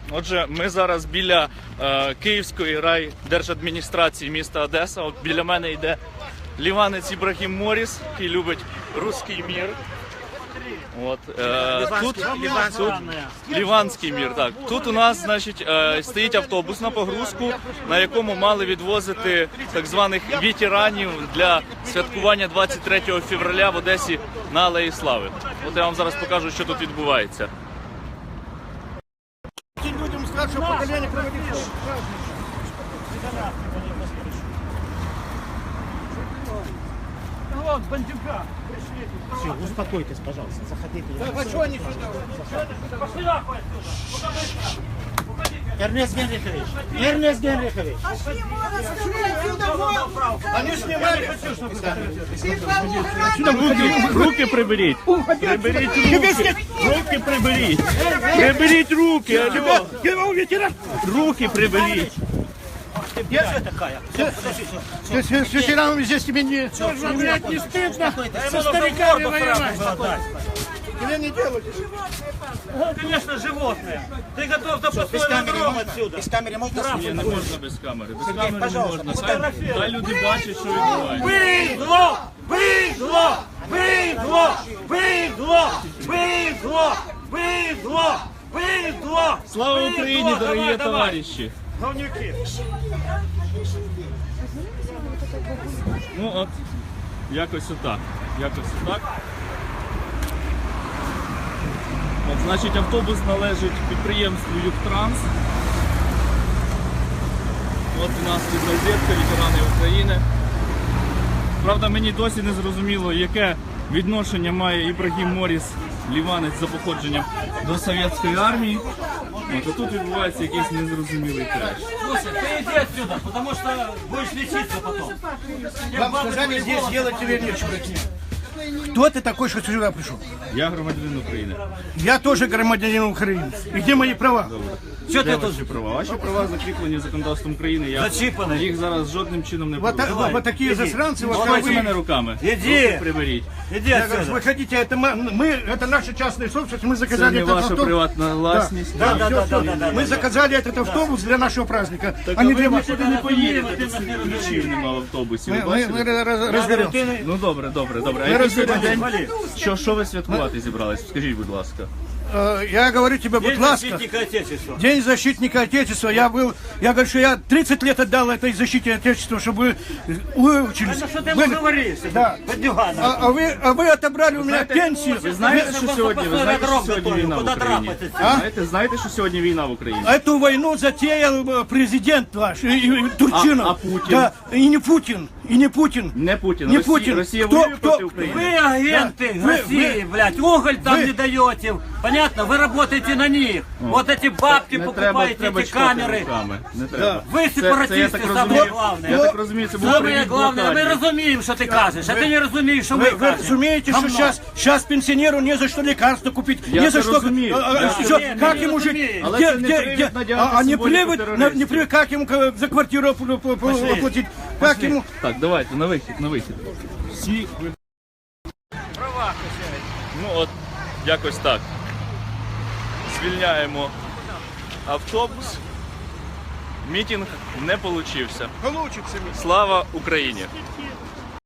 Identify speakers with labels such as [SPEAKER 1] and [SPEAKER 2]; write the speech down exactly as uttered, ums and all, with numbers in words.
[SPEAKER 1] Отже, ми зараз біля е, Київської райдержадміністрації міста Одеса. От біля мене йде ліванець Ібрагім Моріс, який любить руський мір. От, е, тут, тут Ліванський мір. Так. Тут у нас, значить, е, стоїть автобус на погрузку, на якому мали відвозити так званих ветеранів для святкування двадцять третього февраля в Одесі на Алеї Слави. От я вам зараз покажу, що тут відбувається.
[SPEAKER 2] Людям старшего поколения проводить вот, бандюка.
[SPEAKER 3] Все, успокойтесь, пожалуйста, заходите.
[SPEAKER 2] Да, а что они сюда? Пошли нахуй отсюда!
[SPEAKER 3] Эрнест Генрихович, Эрнест Генрихович.
[SPEAKER 2] Они снимали.
[SPEAKER 1] Руки, руки приберіть. Приберіть руки. Руки приберіть. Приберіть руки. Алло. Руки приберіть.
[SPEAKER 2] Я такая. С ветеранами здесь тебе не... Блядь, не стыдно со стариками воевать. Тебе не делать.
[SPEAKER 4] Конечно, животные. Ты готов до последнего грома отсюда.
[SPEAKER 3] Без камеры можно
[SPEAKER 1] Ні, не можна без камери. Без камери не можна. Хай, хай люди бачать, що відбувається.
[SPEAKER 4] Бидло! Бидло! Бидло! Бидло! Бидло! Бидло! Бидло!
[SPEAKER 1] Слава Україні, дорогі товариші!
[SPEAKER 4] Говнюки!
[SPEAKER 1] Ну от, якось отак. Якось отак. От, значить, автобус належить підприємству Югтранс. От у нас тут розетка, ветерани України. Правда, мені досі не зрозуміло, яке відношення має Ібрагім Моріс, ліванець за походженням, до совєтської армії. От, а тут відбувається якийсь незрозумілий треш.
[SPEAKER 4] Слушай, ты иди отсюда, потому что будешь лечиться потом.
[SPEAKER 2] Вам сказали здесь делать тебе нечего. Кто ты такой, что сюда пришел?
[SPEAKER 1] Я громадянин України.
[SPEAKER 2] Я тоже громадянин Украины. И где мои права?
[SPEAKER 4] Что
[SPEAKER 1] Де
[SPEAKER 4] ты тут?
[SPEAKER 1] ваші права? Ваші права закріплені законодавством України. Я
[SPEAKER 4] Зачіпані.
[SPEAKER 1] їх зараз жодним чином не
[SPEAKER 2] Вот,
[SPEAKER 1] порушую.
[SPEAKER 2] вот, вот такие засранцы, вот как
[SPEAKER 1] Давайте мене
[SPEAKER 2] вы.
[SPEAKER 1] руками.
[SPEAKER 4] Іди.
[SPEAKER 1] Руки приберіть.
[SPEAKER 4] Иди
[SPEAKER 2] Я говорю,
[SPEAKER 4] отсюда.
[SPEAKER 2] вы хотите, это мы, мы- это наша частная собственность, мы
[SPEAKER 1] Це
[SPEAKER 2] заказали
[SPEAKER 1] не
[SPEAKER 2] этот
[SPEAKER 1] ваша
[SPEAKER 2] автобус.
[SPEAKER 1] приватна власність.
[SPEAKER 4] Да, да,
[SPEAKER 2] Всё,
[SPEAKER 4] да,
[SPEAKER 2] всё.
[SPEAKER 4] да, да,
[SPEAKER 2] Мы
[SPEAKER 4] да.
[SPEAKER 2] заказали этот автобус для нашего праздника,
[SPEAKER 1] Так,
[SPEAKER 2] а не
[SPEAKER 1] а
[SPEAKER 2] для
[SPEAKER 1] ви
[SPEAKER 2] вас.
[SPEAKER 1] нікуди не поїдете, тут ключів нема в автобусі. Ви
[SPEAKER 2] Мы, мы,
[SPEAKER 1] бачите?
[SPEAKER 2] мы раз- разберемся.
[SPEAKER 1] Ну добре, добре, добре. А
[SPEAKER 2] Ми
[SPEAKER 1] який сьогодні
[SPEAKER 2] розберемося.
[SPEAKER 1] день? Що, що ви святкувати зібрались? Скажіть, будь ласка.
[SPEAKER 2] Э, Я говорю тебе, будь
[SPEAKER 4] День
[SPEAKER 2] ласка,
[SPEAKER 4] защитника Отечества.
[SPEAKER 2] День защитника Отечества. Я был, я говорю, что я тридцать лет отдал этой защите Отечества, чтобы вы выучились.
[SPEAKER 4] Ну что ты ему
[SPEAKER 2] Были-
[SPEAKER 4] говоришь?
[SPEAKER 2] Да.
[SPEAKER 4] Бандюган.
[SPEAKER 2] А, а вы, а вы отобрали у меня пенсию.
[SPEAKER 1] Ви знаєте, що сьогодні? Ви знаєте, що
[SPEAKER 4] Дорогу
[SPEAKER 1] сьогодні
[SPEAKER 4] готовлю,
[SPEAKER 1] війна в
[SPEAKER 4] куди
[SPEAKER 1] Україні?
[SPEAKER 4] драпати?
[SPEAKER 1] Ви знаєте, знаєте, що сьогодні війна в Україні?
[SPEAKER 2] Эту войну затеял э, президент ваш, и, и Турчинов.
[SPEAKER 1] А- а Путин?
[SPEAKER 2] Да, и не Путин, и не Путин.
[SPEAKER 1] Не Путін.
[SPEAKER 2] Не
[SPEAKER 1] Росія,
[SPEAKER 2] Путін.
[SPEAKER 1] Росія
[SPEAKER 2] Хто-
[SPEAKER 1] воює
[SPEAKER 2] хто-
[SPEAKER 1] проти України.
[SPEAKER 4] Вы агенты
[SPEAKER 2] Вы-
[SPEAKER 4] России,
[SPEAKER 2] вы-
[SPEAKER 4] блядь, уголь там
[SPEAKER 2] вы-
[SPEAKER 4] не даете. Понятно? Вы работаете на них. Вот эти бабки
[SPEAKER 1] Не треба,
[SPEAKER 4] покупаете,
[SPEAKER 1] треба
[SPEAKER 4] эти
[SPEAKER 1] чпати
[SPEAKER 4] камеры.
[SPEAKER 1] руками. Не треба.
[SPEAKER 4] Ви
[SPEAKER 1] Це-
[SPEAKER 4] сепаратисти,
[SPEAKER 1] це, я так
[SPEAKER 4] саме
[SPEAKER 1] розумію,
[SPEAKER 4] головне.
[SPEAKER 1] Я так розумію, це був
[SPEAKER 4] Самое
[SPEAKER 1] привіт
[SPEAKER 4] главное, мы
[SPEAKER 1] блокаді.
[SPEAKER 4] разумеем, что ты кажешь, а ты не разумеешь, что мы
[SPEAKER 2] Вы, вы
[SPEAKER 4] кажем.
[SPEAKER 2] разумеете, что
[SPEAKER 4] Говно.
[SPEAKER 2] сейчас, сейчас пенсионеру не за что лекарства купить,
[SPEAKER 1] Я
[SPEAKER 2] не за
[SPEAKER 1] це
[SPEAKER 2] что...
[SPEAKER 1] розумію,
[SPEAKER 2] а, а,
[SPEAKER 1] я
[SPEAKER 2] что-
[SPEAKER 4] це розумію,
[SPEAKER 2] как
[SPEAKER 4] я
[SPEAKER 2] ему жить?
[SPEAKER 4] розумію.
[SPEAKER 1] Але
[SPEAKER 2] Где-
[SPEAKER 1] це не
[SPEAKER 2] где-
[SPEAKER 1] привід
[SPEAKER 2] где-
[SPEAKER 1] надягати
[SPEAKER 2] а, а не
[SPEAKER 1] символіку
[SPEAKER 2] привод, на-
[SPEAKER 1] терористів.
[SPEAKER 2] не привод, как ему к- за квартиру пл- пл- пл- платить? Как ему...
[SPEAKER 1] Так, давайте, на вихід, на вихід. Всі ви... Ну от, якось так. Звільняємо автобус. Мітинг не получився.
[SPEAKER 2] Получится.
[SPEAKER 1] Слава Україні!